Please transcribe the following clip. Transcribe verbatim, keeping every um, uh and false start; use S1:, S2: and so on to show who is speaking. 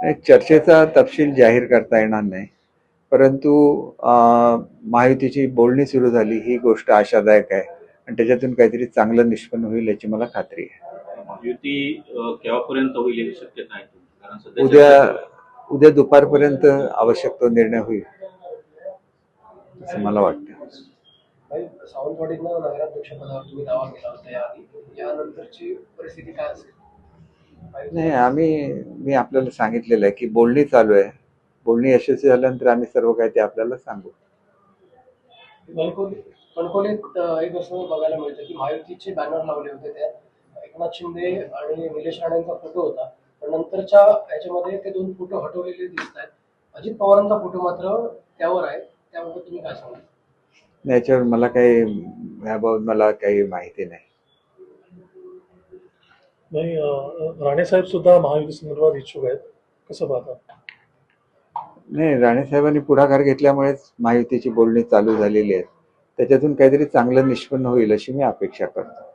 S1: नाही, चर्चेचा तपशील जाहीर करता येणार नाही, परंतु अं, महायुतीची बोलणी सुरू झाली ही गोष्ट आशादायक आहे आणि त्याच्यातून काहीतरी चांगलं निष्पन्न होईल याची मला खात्री आहे.
S2: युती अ, केव्हापर्यंत होईल याची शक्यता आहे तुमची? कारण सध्या
S1: उद्या
S2: चर्चा सुरू आहे.
S1: उद्या दुपारपर्यंत आवश्यक तो निर्णय होईल असं मला वाटतं.
S3: भाई, सावंतवाडीतनं नगराध्यक्षपदावर तुम्ही दावा केला होता याआधी, यानंतरची परिस्थिती काय असेल?
S1: नाही, आम्ही मी आपल्याला सांगितलेलं आहे की बोलणी चालू आहे. बोलणी यशस्वी झाल्यानंतर आम्ही सर्व काही ते आपल्याला सांगू.
S3: कणकवली कणकवलीत अ, एक असं बघायला मिळतं की महायुतीचे बॅनर लावले होते त्या एकनाथ शिंदे आणि निलेश राणेंचा फोटो होता, पण नंतरच्या याच्यामध्ये ते दोन फोटो हटवलेले दिसत आहेत. अजित पवारांचा फोटो मात्र त्यावर आहे, त्याबाबत तुम्ही काय सांगाल?
S1: याच्यावर मला काही याबाबत मला काही माहिती नाही.
S4: नाही, अं, राणे साहेब सुद्धा महायुती संदर्भात इच्छुक आहेत, कसं पाहता?
S1: नाही, राणेसाहेबांनी पुढाकार घेतल्यामुळेच महायुतीची बोलणी चालू झालेली आहेत. त्याच्यातून काहीतरी चांगलं निष्पन्न होईल अशी मी अपेक्षा करतो.